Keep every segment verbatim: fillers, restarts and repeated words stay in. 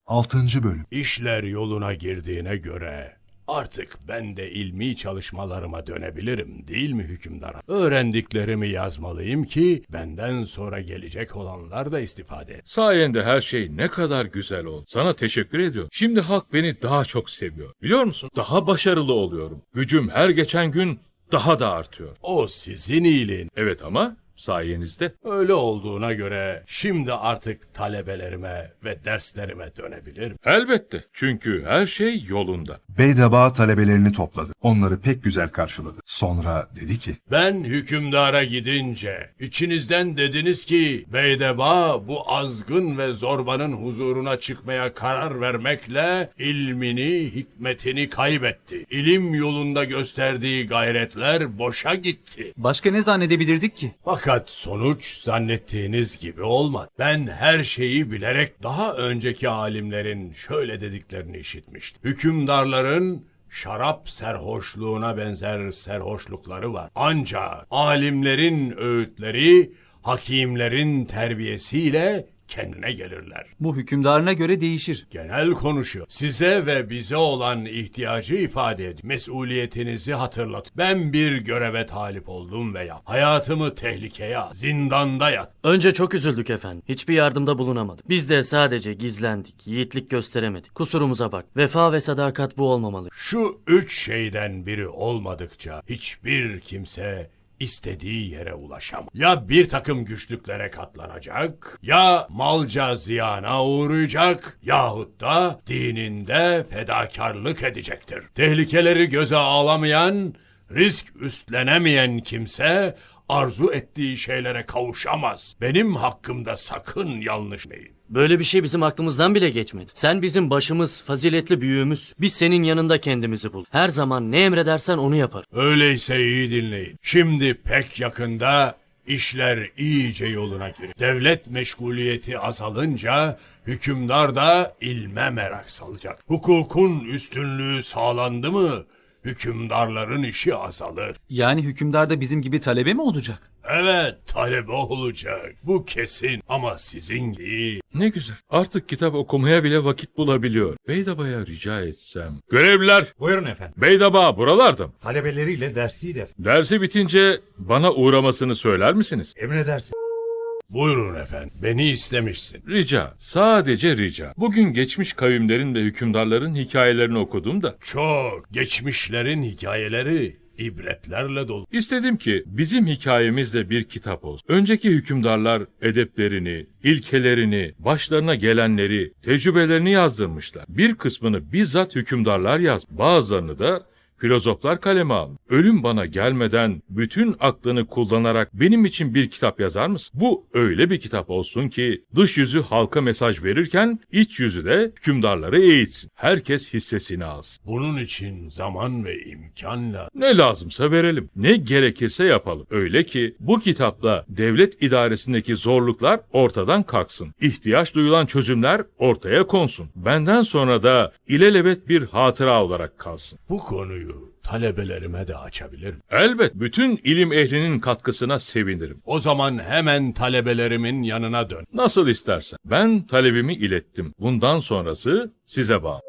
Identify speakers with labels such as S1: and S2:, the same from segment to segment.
S1: altıncı. Bölüm.
S2: İşler yoluna girdiğine göre artık ben de ilmi çalışmalarıma dönebilirim, değil mi hükümdar? Öğrendiklerimi yazmalıyım ki benden sonra gelecek olanlar da istifade etsin.
S3: Sayende her şey ne kadar güzel oldu. Sana teşekkür ediyorum. Şimdi halk beni daha çok seviyor. Biliyor musun? Daha başarılı oluyorum. Gücüm her geçen gün daha da artıyor.
S2: O sizin iyiliğin.
S3: Evet ama sayenizde.
S2: Öyle olduğuna göre şimdi artık talebelerime ve derslerime dönebilirim.
S3: Elbette. Çünkü her şey yolunda.
S1: Beydaba talebelerini topladı. Onları pek güzel karşıladı. Sonra dedi ki,
S2: Ben hükümdara gidince içinizden dediniz ki Beydeba bu azgın ve zorbanın huzuruna çıkmaya karar vermekle ilmini, hikmetini kaybetti. İlim yolunda gösterdiği gayretler boşa gitti.
S4: Başka ne zannedebilirdik ki?
S2: Fakat sonuç zannettiğiniz gibi olmadı. Ben her şeyi bilerek daha önceki alimlerin şöyle dediklerini işitmiştim. Hükümdarların şarap serhoşluğuna benzer serhoşlukları var. Ancak alimlerin öğütleri, hakimlerin terbiyesiyle kendine gelirler.
S4: Bu hükümdarına göre değişir.
S2: Genel konuşuyor. Size ve bize olan ihtiyacı ifade edin. Mesuliyetinizi hatırlat. Ben bir göreve talip oldum veya hayatımı tehlikeye at, zindanda yat.
S5: Önce çok üzüldük efendim. Hiçbir yardımda bulunamadık. Biz de sadece gizlendik, yiğitlik gösteremedik. Kusurumuza bak. Vefa ve sadakat bu olmamalı.
S2: Şu üç şeyden biri olmadıkça hiçbir kimse istediği yere ulaşamaz. Ya bir takım güçlüklere katlanacak, ya malca ziyana uğrayacak, yahut da dininde fedakarlık edecektir. Tehlikeleri göze alamayan, risk üstlenemeyen kimse arzu ettiği şeylere kavuşamaz. Benim hakkımda sakın yanlış deyin.
S5: Böyle bir şey bizim aklımızdan bile geçmedi. Sen bizim başımız, faziletli büyüğümüz. Biz senin yanında kendimizi bul. Her zaman ne emredersen onu yapar.
S2: Öyleyse iyi dinleyin. Şimdi pek yakında işler iyice yoluna girer. Devlet meşguliyeti azalınca hükümdar da ilme merak salacak. Hukukun üstünlüğü sağlandı mı hükümdarların işi azalır.
S4: Yani hükümdar da bizim gibi talebe mi olacak?
S2: Evet, talebe olacak. Bu kesin ama sizin değil.
S3: Ne güzel. Artık kitap okumaya bile vakit bulabiliyor. Beydaba'ya rica etsem. Görevliler.
S6: Buyurun efendim.
S3: Beydaba buralarda mı?
S6: Talebeleriyle dersiydi efendim.
S3: Dersi bitince bana uğramasını söyler misiniz?
S6: Emredersin.
S2: Buyurun efendim, beni istemişsin.
S3: Rica, sadece rica. Bugün geçmiş kavimlerin ve hükümdarların hikayelerini okudum da.
S2: Çok, geçmişlerin hikayeleri ibretlerle dolu.
S3: İstedim ki bizim hikayemiz de bir kitap olsun. Önceki hükümdarlar edeplerini, ilkelerini, başlarına gelenleri, tecrübelerini yazdırmışlar. Bir kısmını bizzat hükümdarlar yaz, bazılarını da filozoflar kaleme almış. Ölüm bana gelmeden bütün aklını kullanarak benim için bir kitap yazar mısın? Bu öyle bir kitap olsun ki dış yüzü halka mesaj verirken iç yüzü de hükümdarları eğitsin. Herkes hissesini alsın.
S2: Bunun için zaman ve imkanla
S3: Ne lazımsa verelim. Ne gerekirse yapalım. Öyle ki bu kitapla devlet idaresindeki zorluklar ortadan kalksın. İhtiyaç duyulan çözümler ortaya konsun. Benden sonra da ilelebet bir hatıra olarak kalsın.
S2: bu konuyu talebelerime de açabilirim.
S3: Elbet bütün ilim ehlinin katkısına sevinirim.
S2: O zaman hemen talebelerimin yanına dön.
S3: Nasıl istersen. Ben talebimi ilettim. Bundan sonrası size bağlı.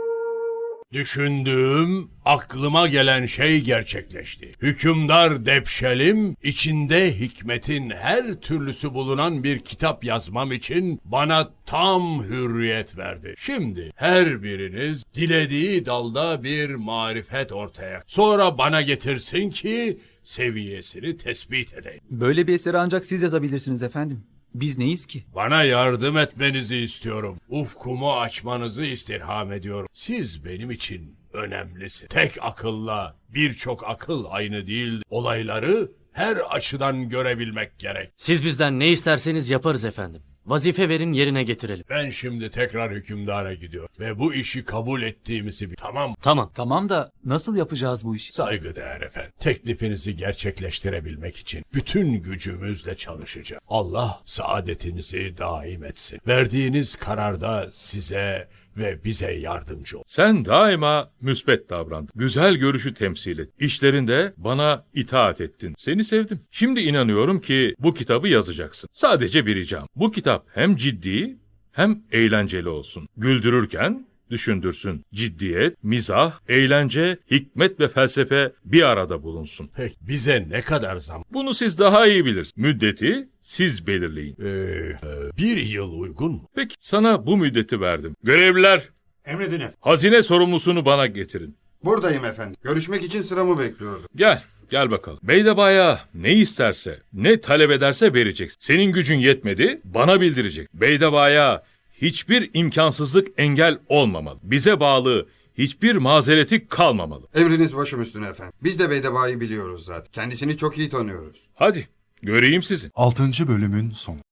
S2: Düşündüğüm, aklıma gelen şey gerçekleşti. Hükümdar Depşelim, içinde hikmetin her türlüsü bulunan bir kitap yazmam için bana tam hürriyet verdi. Şimdi her biriniz dilediği dalda bir marifet ortaya, sonra bana getirsin ki seviyesini tespit edeyim.
S4: Böyle bir eseri ancak siz yazabilirsiniz efendim. Biz neyiz ki?
S2: Bana yardım etmenizi istiyorum. Ufkumu açmanızı istirham ediyorum. Siz benim için önemlisiniz. Tek akılla birçok akıl aynı değil. Olayları her açıdan görebilmek gerek.
S5: Siz bizden ne isterseniz yaparız efendim. Vazife verin, yerine getirelim.
S2: Ben şimdi tekrar hükümdara gidiyorum ve bu işi kabul ettiğimizi bil. Tamam.
S5: Tamam.
S4: Tamam da nasıl yapacağız bu işi?
S2: Saygıdeğer efendim. Teklifinizi gerçekleştirebilmek için bütün gücümüzle çalışacağım. Allah saadetinizi daim etsin. Verdiğiniz kararda size ve bize yardımcı ol.
S3: Sen daima müsbet davrandın. Güzel görüşü temsil et. İşlerinde bana itaat ettin. Seni sevdim. Şimdi inanıyorum ki bu kitabı yazacaksın. Sadece bir ricam. Bu kitap hem ciddi hem eğlenceli olsun. Güldürürken düşündürsün. Ciddiyet, mizah, eğlence, hikmet ve felsefe bir arada bulunsun.
S2: Peki bize ne kadar zam?
S3: Bunu siz daha iyi bilirsiniz. Müddeti siz belirleyin.
S2: Ee, e, bir yıl uygun mu?
S3: Peki sana bu müddeti verdim. Görevliler,
S6: Emredin efendim.
S3: hazine sorumlusunu bana getirin.
S7: Buradayım efendim. Görüşmek için sıramı bekliyordum.
S3: Gel, gel bakalım. Beydebaya ne isterse, ne talep ederse vereceksin. Senin gücün yetmedi, bana bildirecek. Beydebaya hiçbir imkansızlık engel olmamalı. Bize bağlı hiçbir mazereti kalmamalı.
S7: Emriniz başım üstüne efendim. Biz de Beydeba'yı biliyoruz zaten. Kendisini çok iyi tanıyoruz.
S3: Hadi, göreyim sizi.
S1: Altıncı bölümün sonu.